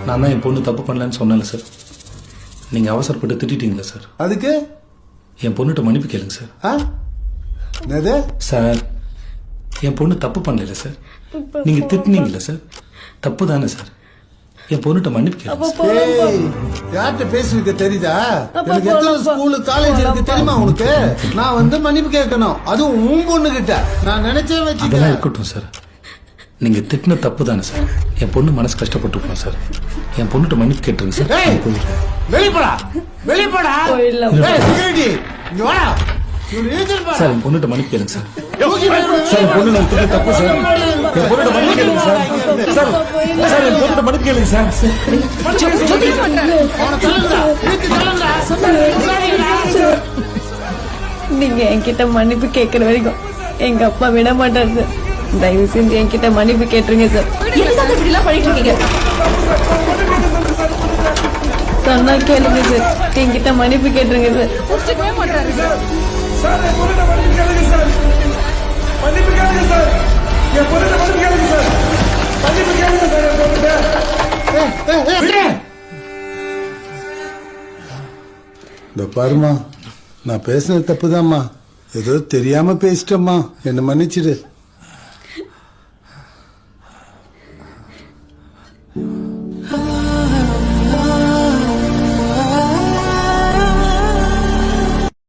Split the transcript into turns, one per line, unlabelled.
நான் தான் என் பொண்ணு தப்பு பண்ணலன்னு சொன்னேன்ல சார். நீங்க அவசரப்பட்டு திட்டிட்டீங்களா சார்?
அதுக்கு
என் பொண்ணுகிட்ட மன்னிப்பு கேளுங்க சார்.
என்னது
சார்? என் பொண்ணு தப்பு பண்ணல சார். நீங்க திட்டினீங்களா சார்? தப்பு தானே சார்? என் பொண்ணுகிட்ட மன்னிப்பு கேளுங்க.
யார்கிட்ட பேசிருக்க தெரியுதா? எனக்கு எத்தனை ஸ்கூலு காலேஜ் இருக்கு தெரியுமா உனக்கு? நான் வந்து மன்னிப்பு கேட்கணும், அதுவும் உன் பொண்ணு கிட்ட. நான் நினைச்சே
அதெல்லாம் இருக்கட்டும் சார். நீங்க திட்டின தப்பு தானே சார்? என் பொண்ணு மனசு கஷ்டப்பட்டுருக்கோம் சார். என் பொண்ணுகிட்ட மன்னிப்பு கேட்டுருங்க சார்.
வெளிப்படா வெளிப்படா.
சார் என் பொண்ணுகிட்ட மன்னிப்பு கேளுங்க சார். சார் என் பொண்ணு நான் திட்டின தப்பு சார். என் பொண்ணுகிட்ட மன்னிப்பு கேளுங்க சார். சார் சார் என் பொண்ணுகிட்ட மன்னிப்பு கேளுங்க சார்.
நீங்க என்கிட்ட மன்னிப்பு கேட்கற வரைக்கும் எங்க அப்பா விட மாட்டார் சார். தயவு செஞ்சு என்கிட்ட மன்னிப்பு கேட்டுருங்க சார். சொன்னா கேளுங்க சார். என்கிட்ட மன்னிப்பு கேட்டுருங்க சார்.
இந்த பாருமா, நான் பேசினது தப்புதாம்மா. ஏதோ தெரியாம பேசிட்டம்மா, என்ன மன்னிச்சிடு.